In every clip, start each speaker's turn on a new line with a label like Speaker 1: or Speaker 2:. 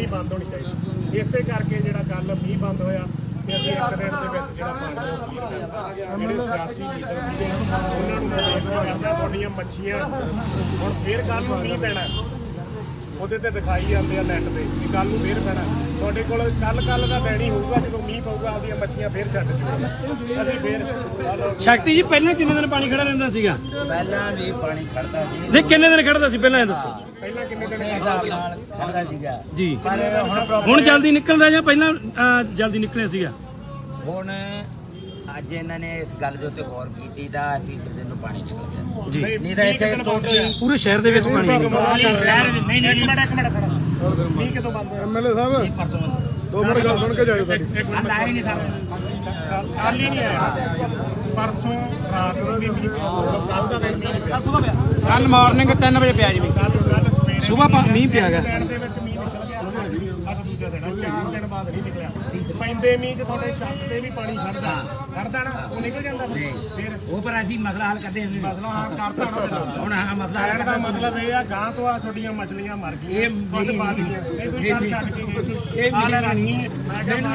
Speaker 1: ਬੰਦ ਹੋਣੀ ਚਾਹੀਦੀ। ਇਸੇ ਕਰਕੇ ਜਿਹੜਾ ਕੱਲ ਮੀਂਹ ਬੰਦ ਹੋਇਆ ਤੇ ਅਸੀਂ ਇੱਕ ਦਿਨ ਦੇ ਵਿੱਚ ਜਿਹੜਾ ਪਾਣੀ ਉਹ ਕਲੀਅਰ ਕਰਤਾ। ਜਿਹੜੇ ਸਿਆਸੀ ਲੀਡਰ ਸੀਗੇ ਉਹਨਾਂ ਨੂੰ ਮੈਂ ਬੇਨਤੀ ਕਰਦਾ, ਤੁਹਾਡੀਆਂ ਮੱਛੀਆਂ ਹੁਣ ਫਿਰ ਕੱਲ ਨੂੰ ਮੀਂਹ ਪੈਣਾ, ਉਹਦੇ ਤੇ ਦਿਖਾਈ ਜਾਂਦੇ ਆ ਨੈੱਟ ਤੇ ਕਿ ਕੱਲ ਨੂੰ ਫਿਰ ਪੈਣਾ। ਤੁਹਾਡੇ ਕੋਲ ਕੱਲ ਦਾ ਪੈਣੀ ਹੋਊਗਾ, ਜਦੋਂ ਮੀਂਹ ਪਊਗਾ ਆਪਦੀਆਂ ਮੱਛੀਆਂ ਫਿਰ ਛੱਡ ਦਿਓ। ਅਸੀਂ ਫਿਰ
Speaker 2: ਸ਼ਕਤੀ ਜੀ ਪਹਿਲਾਂ ਕਿੰਨੇ ਦਿਨ ਪਾਣੀ ਖੜਾ ਰਹਿੰਦਾ ਸੀਗਾ?
Speaker 3: ਪਹਿਲਾਂ ਵੀ ਪਾਣੀ ਖੜਦਾ ਸੀ।
Speaker 2: ਨਹੀਂ ਕਿੰਨੇ ਦਿਨ ਖੜਦਾ ਸੀ ਪਹਿਲਾਂ ਇਹ ਦੱਸੋ?
Speaker 1: ਪਹਿਲਾਂ ਕਿੰਨੇ ਦਿਨ
Speaker 3: ਖੜਦਾ ਸੀਗਾ
Speaker 2: ਜੀ।
Speaker 3: ਪਰ
Speaker 2: ਹੁਣ ਜਲਦੀ ਨਿਕਲਦਾ ਜਾਂ ਪਹਿਲਾਂ ਜਲਦੀ ਨਿਕਲਿਆ ਸੀਗਾ?
Speaker 3: ਹੁਣ ਅੱਜ ਇਹਨਾਂ ਨੇ ਇਸ ਗੱਲ ਦੇ ਉੱਤੇ ਗੌਰ ਕੀਤੀ ਤਾਂ ਤੀਸਰੇ ਦਿਨ ਨੂੰ ਪਾਣੀ ਨਿਕਲ ਗਿਆ
Speaker 2: ਜੀ।
Speaker 3: ਨਹੀਂ ਤਾਂ ਇੱਥੇ ਟੋਟਲੀ
Speaker 2: ਪੂਰੇ ਸ਼ਹਿਰ ਦੇ ਵਿੱਚ ਪਾਣੀ ਨਹੀਂ
Speaker 3: ਸ਼ਹਿਰ ਨਹੀਂ
Speaker 1: ਇੱਕ ਮਿੰਟ ਖੜਾ ਮੀਂਹ ਕਿਦੋਂ ਬੰਦ ਹੋਇਆ?
Speaker 4: ਐਮਐਲਏ ਸਾਹਿਬ
Speaker 3: ਪਰਸੋਂ
Speaker 4: 2 ਮਿੰਟ ਗੱਲ ਸੁਣ ਕੇ ਜਾਇਓ ਸਾਡੀ।
Speaker 3: ਕੱਲ ਆਏ ਨਹੀਂ ਸਾਰੇ
Speaker 1: ਕੱਲ ਹੀ ਨਹੀਂ ਆਇਆ, ਪਰਸੋਂ ਰਾਤ ਨੂੰ ਵੀ ਮੀਂਹ ਪਿਆ, ਕੱਲ ਦਾ ਦਿਨ ਮੀਂਹ ਪਿਆ,
Speaker 4: ਕੱਲ ਮਾਰਨਿੰਗ 3 ਵਜੇ ਪਿਆ ਜੀ
Speaker 1: ਕੱਲ ਸਵੇਰੇ
Speaker 2: ਸੁਬਾਹ ਮੀਂਹ ਪਿਆ ਗਾ।
Speaker 1: ਦਿਨ ਦੇ ਵਿੱਚ ਮੀਂਹ ਨਿਕਲ ਗਿਆ। ਅੱਜ ਦੂਜਾ ਦਿਨ 4 ਦਿਨ ਬਾਅਦ ਨਹੀਂ ਨਿਕਲਿਆ। ਪੈਂਦੇ ਮੀਂਹ 'ਚ ਤੁਹਾਡੇ ਛੱਤ ਤੇ ਵੀ ਪਾਣੀ ਖੜਦਾ ਨਾ, ਉਹ ਨਿਕਲ ਜਾਂਦਾ ਫਿਰ
Speaker 3: ਉਹ ਪਰ ਅਸੀਂ ਮਸਲਾ ਹੱਲ ਕਰਦੇ ਹਾਂ।
Speaker 1: ਮਸਲਾ ਹੱਲ ਕਰਤਾ ਨਾ
Speaker 3: ਹੁਣ ਆਹ ਮਸਲਾ ਹੱਲ
Speaker 1: ਕਹਿਣ ਦਾ
Speaker 3: ਕਰਦਾ
Speaker 1: ਮਤਲਬ ਇਹ ਆ ਗਾਂ ਤੋਂ ਆ ਛੋਟੀਆਂ ਮਛਲੀਆਂ ਮਰ ਗਈਆਂ,
Speaker 3: ਇਹ
Speaker 1: ਖੁਦ ਪਾ ਲਈਆਂ, ਇਹ ਤੁਸੀਂ ਕੱਲ ਛੱਡ ਕੇ ਗਏ ਸੀ। ਇਹ ਮੇਰਾ ਰਾਣੀ ਮੈਂ ਕਿਹਾ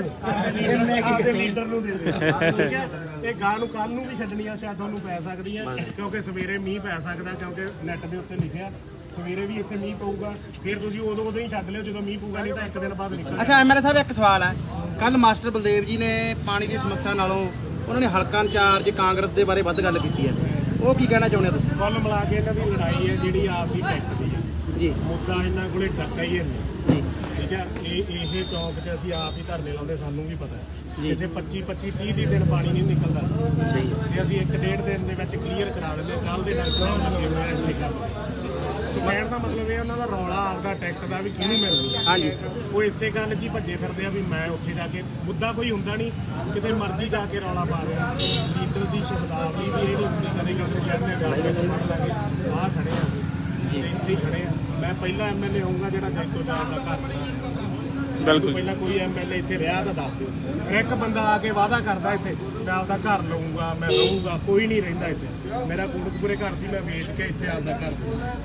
Speaker 1: ਆਪਦੇ ਲੀਡਰ ਨੂੰ ਦੇ ਦੇ, ਠੀਕ ਹੈ। ਇਹ ਗਾਂ ਨੂੰ ਕੱਲ ਨੂੰ ਵੀ ਛੱਡਣੀਆਂ ਸ਼ਾਇਦ ਤੁਹਾਨੂੰ ਪੈ ਸਕਦੀਆਂ, ਕਿਉਂਕਿ ਸਵੇਰੇ ਮੀਂਹ ਪੈ ਸਕਦਾ, ਕਿਉਂਕਿ ਨੈੱਟ ਦੇ ਉੱਤੇ ਲਿਖਿਆ ਸਵੇਰੇ ਵੀ ਇੱਥੇ ਮੀਂਹ ਪਊਗਾ। ਫਿਰ ਤੁਸੀਂ ਉਦੋਂ ਹੀ ਛੱਡ ਲਿਓ ਜਦੋਂ ਮੀਂਹ ਪਊਗਾ, ਨਹੀਂ ਤਾਂ ਇੱਕ ਦਿਨ ਬਾਅਦ ਨਿਕਲ।
Speaker 4: ਅੱਛਾ ਐਮਐਲਏ ਸਾਹਿਬ ਇੱਕ ਸਵਾਲ ਹੈ, ਕੱਲ ਮਾਸਟਰ ਬਲਦੇਵ ਜੀ ਨੇ ਪਾਣੀ ਦੀ ਸਮੱਸਿਆ ਨਾਲੋਂ ਉਹਨਾਂ ਨੇ ਹਲਕਾ ਇੰਚਾਰਜ ਕਾਂਗਰਸ ਦੇ ਬਾਰੇ ਵੱਧ ਗੱਲ ਕੀਤੀ ਹੈ, ਉਹ ਕੀ ਕਹਿਣਾ ਚਾਹੁੰਦੇ ਹੋ ਤੁਸੀਂ?
Speaker 1: ਕੁੱਲ ਮਿਲਾ ਕੇ ਇਹਨਾਂ ਦੀ ਲੜਾਈ ਹੈ ਜਿਹੜੀ ਆਪ ਦੀ ਟੈਕਟ ਦੀ ਹੈ
Speaker 4: ਜੀ
Speaker 1: ਮੁੱਦਾ ਇਹਨਾਂ ਕੋਲੇ ਟੱਕਾ ਹੀ ਹੈ
Speaker 4: ਜੀ
Speaker 1: ਠੀਕ ਹੈ। ਇਹ ਚੌਂਕ 'ਚ ਅਸੀਂ ਆਪ ਹੀ ਧਰਨੇ ਲਾਉਂਦੇ, ਸਾਨੂੰ ਵੀ ਪਤਾ ਹੈ
Speaker 4: ਜੀ।
Speaker 1: ਇੱਥੇ 25-30 ਦਿਨ ਪਾਣੀ ਨਹੀਂ ਨਿਕਲਦਾ
Speaker 2: ਸਹੀ
Speaker 1: ਤੇ ਅਸੀਂ 1.5 ਦਿਨ ਦੇ ਵਿੱਚ ਕਲੀਅਰ ਕਰਾ ਦਿੰਦੇ। ਕੱਲ ਦੇ ਨਾਲ ਸਾਹਿਬ ਲੱਗੇ ਹੋਏ ਐਸੇ ਕਰ ਸੋ ਕਹਿਣ ਦਾ ਮਤਲਬ ਇਹ ਉਹਨਾਂ ਦਾ ਰੌਲਾ ਆਪਦਾ ਟੈਕਟ ਦਾ ਵੀ ਕਿਹਨੂੰ ਮਿਲਦਾ।
Speaker 4: ਹਾਂਜੀ
Speaker 1: ਉਹ ਇਸੇ ਗੱਲ 'ਚ ਹੀ ਭੱਜੇ ਫਿਰਦੇ ਆ ਵੀ ਮੈਂ ਉੱਥੇ ਜਾ ਕੇ ਮੁੱਦਾ ਕੋਈ ਹੁੰਦਾ ਨਹੀਂ, ਕਿਤੇ ਮਰਜ਼ੀ ਜਾ ਕੇ ਰੌਲਾ ਪਾ ਰਿਹਾ। ਲੀਡਰ ਦੀ ਸ਼ਬਦਾਵਲੀ ਵੀ ਇਹ ਨਹੀਂ ਹੁੰਦੀ, ਕਦੇ ਕਦੇ ਕਹਿੰਦੇ ਗੱਲ ਕੇ ਮੰਨ ਲਾਂਗੇ ਆਹ ਖੜੇ ਆ ਤੇ ਇੱਥੇ ਹੀ ਖੜੇ ਆ। ਮੈਂ ਪਹਿਲਾ ਐਮਐਲਏ ਹੋਊਗਾ ਜਿਹੜਾ ਜੈਤੋ ਜਾਣ ਦਾ ਘਰ ਬਣਾ। ਬਿਲਕੁਲ ਪਹਿਲਾਂ ਕੋਈ ਐਮਐਲਏ ਇੱਥੇ ਰਿਹਾ ਤਾਂ ਦੱਸ ਦਿਓ। ਇੱਕ ਬੰਦਾ ਆ ਕੇ ਵਾਅਦਾ ਕਰਦਾ ਇੱਥੇ ਮੈਂ ਆਪਦਾ ਘਰ ਲਊਂਗਾ, ਮੈਂ ਰਹੂੰਗਾ, ਕੋਈ ਨਹੀਂ ਰਹਿੰਦਾ ਇੱਥੇ। ਮੇਰਾ ਕੋਟਕਪੂਰੇ ਘਰ ਸੀ, ਮੈਂ ਵੇਚ ਕੇ ਇੱਥੇ ਆਪਦਾ ਘਰ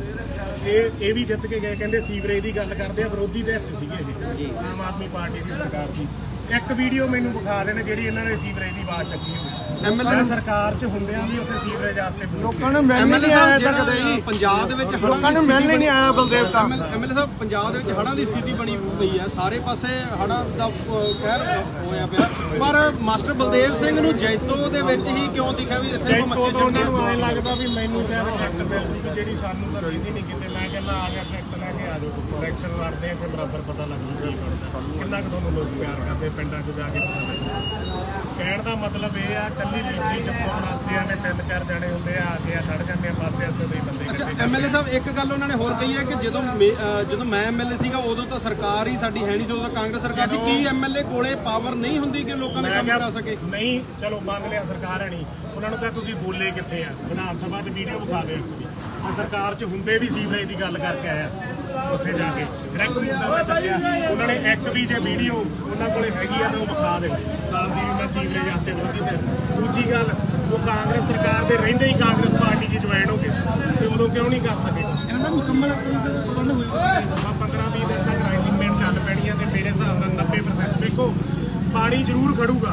Speaker 1: ਇਹ ਵੀ ਜਿੱਤ ਕੇ ਗਏ। ਕਹਿੰਦੇ ਸੀਵਰੇਜ ਦੀ ਗੱਲ ਕਰਦੇ ਆ, ਵਿਰੋਧੀ ਦੇ ਹੱਥ ਸੀਗੇ ਜੀ, ਆਮ ਆਦਮੀ ਪਾਰਟੀ ਦੀ ਸਰਕਾਰ ਸੀ। ਇੱਕ ਵੀਡੀਓ ਮੈਨੂੰ ਵਿਖਾ ਦੇਣ ਜਿਹੜੀ ਇਹਨਾਂ ਨੇ ਸੀਵਰੇਜ ਦੀ ਆਵਾਜ਼ ਚੱਕੀ ਹੋਵੇ। ਐਮਐਲਏ ਸਰਕਾਰ 'ਚ ਹੁੰਦਿਆਂ ਵੀ ਉੱਥੇ ਸੀਵਰੇਜ ਵਾਸਤੇ
Speaker 4: ਲੋਕਾਂ ਨੂੰ ਮਿਲਣ ਨਹੀਂ ਆਇਆ ਜਿਹੜਾ ਪੰਜਾਬ ਦੇ ਵਿੱਚ ਲੋਕਾਂ ਨੂੰ ਮਿਲਣ ਨਹੀਂ ਆਇਆ ਬਲਦੇਵ ਤਾਂ। ਐਮਐਲਏ ਸਾਹਿਬ ਪੰਜਾਬ ਦੇ ਵਿੱਚ ਹੜ੍ਹਾਂ ਦੀ ਸਥਿਤੀ ਬਣੀ ਪਈ ਹੈ, ਸਾਰੇ ਪਾਸੇ ਹੜ੍ਹਾਂ ਦਾ ਕਹਿਰ ਹੋਇਆ ਪਿਆ, ਪਰ ਮਾਸਟਰ ਬਲਦੇਵ ਸਿੰਘ ਨੂੰ ਜੈਤੋ ਦੇ ਵਿੱਚ ਹੀ ਕਿਉਂ ਦਿਖਿਆ ਵੀ ਇੱਥੇ ਮੱਛੀ
Speaker 1: ਉਹਨਾਂ ਨੂੰ ਐਂ ਲੱਗਦਾ ਵੀ ਮੈਨੂੰ ਸ਼ਾਇਦ ਟਰੈਕਟਰ ਮਿਲਦੀ ਵੀ ਜਿਹੜੀ ਸਾਨੂੰ ਤਾਂ ਰਹਿੰਦੀ ਨਹੀਂ ਕਿਤੇ। ਮੈਂ ਕਹਿੰਦਾ ਆ ਗਿਆ ਟਰੈਕਟਰ ਲੈ ਕੇ ਆ ਜਾਓ, ਇਲੈਕਸ਼ਨ ਲੜਦੇ ਇੱਥੇ ਬਰਾਬਰ ਪਤਾ ਲੱਗੂ ਕੀ ਬਣਦਾ, ਕਿੰਨਾ ਕੁ ਤੁਹਾਨੂੰ ਲੋਕ ਪਿਆਰ ਕਰਦੇ ਪਿੰਡਾਂ 'ਚ ਜਾ ਕੇ ਪਤਾ ਲੱਗਦਾ। ਕਹਿਣ ਦਾ ਮਤਲਬ ਇਹ ਆ ਕੱਲੀ ਲੀਡਰੀ ਚਪਾਉਣ ਵਾਸਤੇ ਨੇ 3-4 ਜਣੇ ਹੁੰਦੇ ਆ ਕੇ ਖੜ ਜਾਂਦੇ ਆ ਪਾਸੇ ਐਸੇ ਦੇ ਬੰਦੇ।
Speaker 4: ਅੱਛਾ ਐਮਐਲਏ ਸਾਹਿਬ ਇੱਕ ਗੱਲ ਉਹਨਾਂ ਨੇ ਹੋਰ ਕਹੀ ਹੈ ਕਿ ਜਦੋਂ ਮੈਂ ਐਮਐਲਏ ਸੀਗਾ ਉਦੋਂ ਤਾਂ ਸਰਕਾਰ ਹੀ ਸਾਡੀ ਹੈ ਨਹੀਂ ਸੀ, ਉਦੋਂ ਤਾਂ ਕਾਂਗਰਸ ਸਰਕਾਰ ਸੀ। ਕੀ ਐਮਐਲਏ ਕੋਲੇ ਪਾਵਰ ਨਹੀਂ ਹੁੰਦੀ ਕਿ ਲੋਕਾਂ ਦੇ ਕੰਮ ਕਰਾ ਸਕੇ?
Speaker 1: ਨਹੀਂ ਚਲੋ ਮੰਨ ਲਿਆ ਸਰਕਾਰ ਹੈ ਨਹੀਂ, ਉਹਨਾਂ ਨੂੰ ਕਿਹਾ ਤੁਸੀਂ ਬੋਲੇ ਕਿੱਥੇ ਆ? ਵਿਧਾਨ ਸਭਾ 'ਚ ਵੀਡੀਓ ਵਿਖਾ ਦਿਓ ਇੱਕ ਵੀ। ਸਰਕਾਰ 'ਚ ਹੁੰਦੇ ਵੀ ਸੀਵਰੇਜ ਦੀ ਗੱਲ ਕਰਕੇ ਆਇਆ ਉੱਥੇ ਜਾ ਕੇ ਡਾਇਰੈਕਟ ਮੁੱਦਾ ਮੈਂ ਚੱਕਿਆ। ਉਹਨਾਂ ਨੇ ਇੱਕ ਵੀ ਜੇ ਵੀਡੀਓ ਉਹਨਾਂ ਕੋਲੇ ਹੈਗੀ ਆ ਤਾਂ ਉਹ ਵਿਖਾ ਦੇ ਤਾਂ ਦੀ ਮੈਂ ਸੀਵਰੇਜ ਵਾਸਤੇ ਵਿਰੋਧੀ ਤੇ। ਦੂਜੀ ਗੱਲ ਉਹ ਕਾਂਗਰਸ ਸਰਕਾਰ ਦੇ ਰਹਿੰਦੇ ਹੀ ਕਾਂਗਰਸ ਪਾਰਟੀ 'ਚ ਜੁਆਇਨ ਹੋ ਗਏ ਤੇ ਉਦੋਂ ਕਿਉਂ ਨਹੀਂ ਕਰ ਸਕੇ?
Speaker 4: ਇਹਨਾਂ ਦਾ ਮੁਕੰਮਲ ਪ੍ਰਬੰਧ ਹੋਇਆ
Speaker 1: 15-20 ਦਿਨ ਤੱਕ ਰਾਈਸਿੰਗ ਚੱਲ ਪੈਣੀ ਆ ਤੇ ਮੇਰੇ ਹਿਸਾਬ ਨਾਲ 90% ਦੇਖੋ ਪਾਣੀ ਜ਼ਰੂਰ ਖੜੂਗਾ।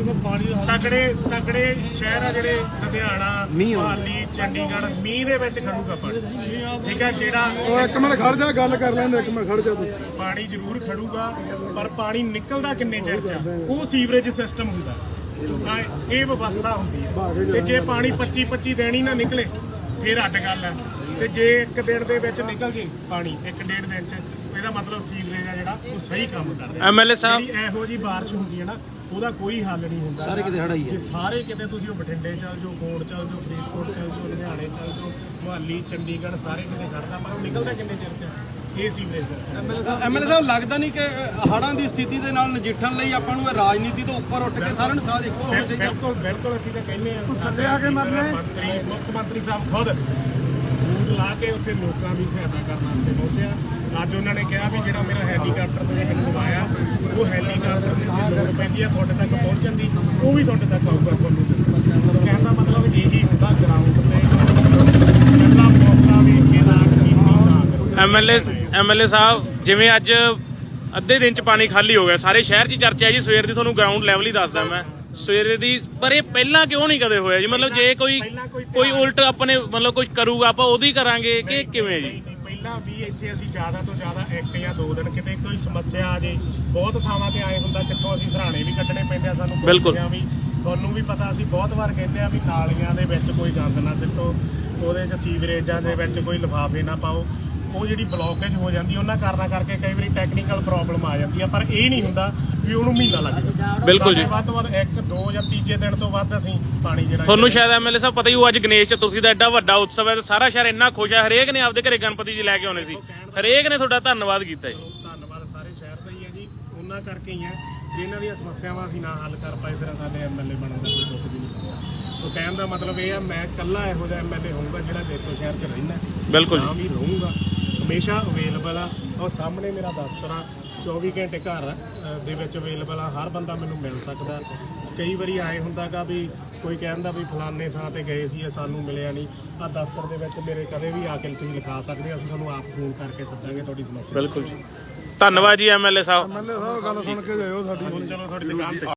Speaker 1: ਤਕੜੇ ਸ਼ਹਿਰ ਆ ਜਿਹੜੇ ਲੁਧਿਆਣਾ, ਮੁਹਾਲੀ, ਚੰਡੀਗੜ੍ਹ ਮੀਂਹ ਦੇ ਵਿੱਚ ਖੜੂਗਾ ਪਾਣੀ, ਠੀਕ ਹੈ। ਜਿਹੜਾ
Speaker 4: ਉਹ ਇੱਕ ਮਿੰਟ ਖੜ ਜਾ, ਗੱਲ ਕਰ ਲੈਂਦੇ, ਇੱਕ ਮਿੰਟ ਖੜ ਜਾ ਤੂੰ।
Speaker 1: ਪਾਣੀ ਜ਼ਰੂਰ ਖੜੂਗਾ ਪਰ ਪਾਣੀ ਨਿਕਲਦਾ ਕਿੰਨੇ ਚਿਰ 'ਚ ਆ ਉਹ ਸੀਵਰੇਜ ਸਿਸਟਮ ਹੁੰਦਾ ਤਾਂ ਇਹ ਵਿਵਸਥਾ ਹੁੰਦੀ ਹੈ। ਤੇ ਜੇ ਪਾਣੀ 25 ਦਿਨ ਹੀ ਨਾ ਨਿਕਲੇ ਫਿਰ ਅੱਡ ਗੱਲ ਹੈ, ਤੇ ਜੇ ਇੱਕ ਦਿਨ ਦੇ ਵਿੱਚ ਨਿਕਲ ਜੇ ਪਾਣੀ 1-1.5 ਦਿਨ 'ਚ ਇਹਦਾ ਮਤਲਬ ਸੀਵਰੇਜ ਆ ਜਿਹੜਾ ਉਹ ਸਹੀ ਕੰਮ ਕਰ ਰਿਹਾ।
Speaker 2: ਐਮਐਲਏ ਸਾਹਿਬ
Speaker 1: ਇਹੋ ਜੀ ਬਾਰਿਸ਼ ਹੁੰਦੀ ਹੈ ਨਾ ਉਹਦਾ ਕੋਈ ਹੱਲ ਨਹੀਂ ਹੁੰਦਾ।
Speaker 2: ਸਾਰੇ ਕਿਤੇ ਹੜ੍ਹ ਹੀ ਹੈ।
Speaker 1: ਜੇ ਸਾਰੇ ਕਿਤੇ ਤੁਸੀਂ ਉਹ ਬਠਿੰਡੇ ਚੱਲ ਜਾਓ, ਕੋਟ ਚੱਲ ਜਾਓ, ਫਰੀਦਕੋਟ ਚੱਲ ਜਾਓ, ਲੁਧਿਆਣੇ ਚੱਲ ਜਾਓ, ਮੁਹਾਲੀ, ਚੰਡੀਗੜ੍ਹ ਸਾਰੇ ਕਿਤੇ ਖੜਦਾ ਪਰ ਉਹ ਨਿਕਲਦਾ ਕਿੰਨੇ ਚਿਰ 'ਚ ਇਹ ਸੀਵਰੇਜ।
Speaker 4: ਐਮਐਲਏ ਸਾਹਿਬ ਲੱਗਦਾ ਨਹੀਂ ਕਿ ਹੜ੍ਹਾਂ ਦੀ ਸਥਿਤੀ ਦੇ ਨਾਲ ਨਜਿੱਠਣ ਲਈ ਆਪਾਂ ਨੂੰ ਰਾਜਨੀਤੀ ਤੋਂ ਉੱਪਰ ਉੱਠ ਕੇ ਸਾਰਿਆਂ ਨੂੰ ਸਾਥ ਇੱਕੋ ਹੋਣਾ ਚਾਹੀਦਾ।
Speaker 1: ਬਿਲਕੁਲ ਅਸੀਂ ਤਾਂ ਕਹਿੰਦੇ ਹਾਂ ਮੁੱਖ ਮੰਤਰੀ ਸਾਹਿਬ ਖੁਦ ਬੂਟ ਲਾ ਕੇ ਉੱਥੇ ਲੋਕਾਂ ਦੀ ਸਹਾਇਤਾ ਕਰਨ ਵਾਸਤੇ ਪਹੁੰਚਿਆ। ਅੱਜ ਉਹਨਾਂ ਨੇ ਕਿਹਾ ਵੀ ਜਿਹੜਾ ਮੇਰਾ ਹੈਲੀਕਾਪਟਰ ਤੁਸੀਂ ਮੈਨੂੰ ਲਵਾਇਆ ਉਹ ਹੈਲੀਕਾਪਟਰ ਦੀ ਲੋੜ ਪੈਂਦੀ ਆ ਤੁਹਾਡੇ ਤੱਕ ਪਹੁੰਚਣ ਦੀ, ਉਹ ਵੀ ਤੁਹਾਡੇ ਤੱਕ ਆਊਗਾ ਤੁਹਾਨੂੰ। ਕਹਿਣ ਦਾ ਮਤਲਬ ਇਹੀ ਹੁੰਦਾ ਗਰਾਊਂਡ ਤੇ ਪਹਿਲਾ ਮੌਕਾ ਵੀ ਕੇ ਰਾਜ ਕੀਤੀ।
Speaker 2: ਐਮਐਲਏ ਸਾਹਿਬ ਜਿਵੇਂ ਅੱਜ
Speaker 5: ਅੱਧੇ ਦਿਨ ਚ ਪਾਣੀ ਖਾਲੀ ਹੋ ਗਿਆ। ਸਾਰੇ ਸ਼ਹਿਰ 'ਚ ਚਰਚਾ ਹੈ ਜੀ ਸਵੇਰ ਦੀ, ਤੁਹਾਨੂੰ ਗਰਾਊਂਡ ਲੈਵਲ ਹੀ ਦੱਸਦਾ ਮੈਂ ਸਵੇਰੇ ਦੀ। ਪਰ ਇਹ ਪਹਿਲਾਂ ਕਿਉਂ ਨਹੀਂ ਕਦੇ ਹੋਇਆ ਜੀ? ਮਤਲਬ ਜੇ ਕੋਈ ਉਲਟ ਆਪਣੇ ਮਤਲਬ ਕੁਝ ਕਰੂਗਾ ਆਪਾਂ ਉਹਦੀ ਕਰਾਂਗੇ ਕਿ ਕਿਵੇਂ ਜੀ?
Speaker 1: ਪਹਿਲਾਂ ਵੀ ਇੱਥੇ ਅਸੀਂ ਜ਼ਿਆਦਾ ਤੋਂ ਜ਼ਿਆਦਾ 1 ਜਾਂ 2 ਦਿਨ ਕਿਤੇ ਕੋਈ ਸਮੱਸਿਆ ਆ ਜੇ, ਬਹੁਤ ਥਾਵਾਂ ਤੇ ਆਏ ਹੁੰਦਾ ਕਿੱਥੋਂ ਅਸੀਂ ਸਰਾਣੇ ਵੀ ਕੱਢਣੇ ਪੈਂਦੇ ਆ ਸਾਨੂੰ।
Speaker 5: ਬਿਲਕੁਲ।
Speaker 1: ਵੀ ਤੁਹਾਨੂੰ ਵੀ ਪਤਾ, ਅਸੀਂ ਬਹੁਤ ਵਾਰ ਕਹਿੰਦੇ ਆ ਵੀ ਨਾਲੀਆਂ ਦੇ ਵਿੱਚ ਕੋਈ ਗੰਦ ਨਾ ਸਿੱਟੋ, ਉਹਦੇ 'ਚ ਸੀਵਰੇਜਾਂ ਦੇ ਵਿੱਚ ਕੋਈ ਲਿਫਾਫੇ ਨਾ ਪਾਓ। ਉਹ ਜਿਹੜੀ ਬਲੌਕੇਜ ਹੋ ਜਾਂਦੀ ਉਹਨਾਂ ਕਾਰਨਾਂ ਕਰਕੇ ਕਈ ਵਾਰੀ ਟੈਕਨੀਕਲ ਪ੍ਰੋਬਲਮ ਆ ਜਾਂਦੀ ਆ, ਪਰ ਇਹ ਨਹੀਂ ਹੁੰਦਾ ਵੀ ਉਹਨੂੰ ਮਹੀਨਾ ਲੱਗ ਜਾਂਦਾ।
Speaker 5: ਬਿਲਕੁਲ ਜੀ।
Speaker 1: ਵੱਧ ਤੋਂ ਵੱਧ 1, 2 ਜਾਂ ਤੀਜੇ ਦਿਨ ਤੋਂ ਵੱਧ ਅਸੀਂ ਪਾਣੀ ਜਿਹੜਾ
Speaker 5: ਤੁਹਾਨੂੰ ਸ਼ਾਇਦ ਐਮਐਲਏ ਸਾਹਿਬ ਪਤਾ ਹੀ ਹੋ, ਅੱਜ ਗਣੇਸ਼ ਚਤੁਰਥੀ ਦਾ ਐਡਾ ਵੱਡਾ ਉਤਸਵ ਹੈ ਤੇ ਸਾਰਾ ਸ਼ਹਿਰ ਇੰਨਾ ਖੁਸ਼ ਹੈ। ਹਰੇਕ ਨੇ ਆਪਦੇ ਘਰੇ ਗਣਪਤੀ ਜੀ ਲੈ ਕੇ ਆਉਣੇ ਸੀ, ਹਰੇਕ ਨੇ ਤੁਹਾਡਾ ਧੰਨਵਾਦ ਕੀਤਾ ਜੀ।
Speaker 1: ਧੰਨਵਾਦ ਸਾਰੇ ਸ਼ਹਿਰ ਦਾ ਹੀ ਹੈ ਜੀ, ਉਹਨਾਂ ਕਰਕੇ ਹੀ ਹੈ ਜਿਨ੍ਹਾਂ ਦੀਆਂ ਸਮੱਸਿਆਵਾਂ ਅਸੀਂ ਨਾ ਹੱਲ ਕਰ ਪਾਏ, ਫਿਰ ਸਾਡੇ ਐਮਐਲਏ ਬਣਨ ਦਾ ਕੋਈ ਦੁੱਖ ਵੀ ਨਹੀਂ। ਸੋ ਕਹਿਣ ਦਾ ਮਤਲਬ ਇਹ ਆ, ਮੈਂ ਇਕੱਲਾ ਇਹੋ ਜਿਹਾ ਐਮਐਲਏ ਹੋਊਗਾ ਜਿਹੜਾ ਜੈਤੋ ਸ਼ਹਿਰ 'ਚ ਰਹਿੰਦਾ।
Speaker 5: ਬਿਲਕੁਲ
Speaker 1: ਵੀ ਰਹੂੰਗਾ, ਹਮੇਸ਼ਾ ਅਵੇਲੇਬਲ ਆ। ਉਹ ਸਾਹਮਣੇ ਮੇਰਾ ਦਫ਼ਤਰ ਆ, 24 ਘੰਟੇ ਘਰ ਦੇ ਵਿੱਚ ਅਵੇਲੇਬਲ ਆ, ਹਰ ਬੰਦਾ ਮੈਨੂੰ ਮਿਲ ਸਕਦਾ। ਕਈ ਵਾਰੀ ਆਏ ਹੁੰਦਾਗਾ ਵੀ ਕੋਈ ਕਹਿੰਦਾ ਵੀ ਫਲਾਣੇ ਥਾਂ ਤੇ ਗਏ ਸੀ, ਇਹ ਸਾਨੂੰ ਮਿਲਿਆ ਨਹੀਂ। ਆ ਦਫ਼ਤਰ ਦੇ ਵਿੱਚ ਮੇਰੇ ਕਦੇ ਵੀ ਆ ਕੇ ਤੁਸੀਂ ਲਿਖਾ ਸਕਦੇ, ਅਸੀਂ ਤੁਹਾਨੂੰ ਆਪ ਫੋਨ ਕਰਕੇ ਸੱਦਾਂਗੇ ਤੁਹਾਡੀ ਸਮੱਸਿਆ।
Speaker 5: ਬਿਲਕੁਲ ਜੀ, ਧੰਨਵਾਦ ਜੀ ਐਮਐਲਏ ਸਾਹਿਬ।
Speaker 1: ਚਲੋ ਤੁਹਾਡੀ ਦੁਕਾਨ ਤੇ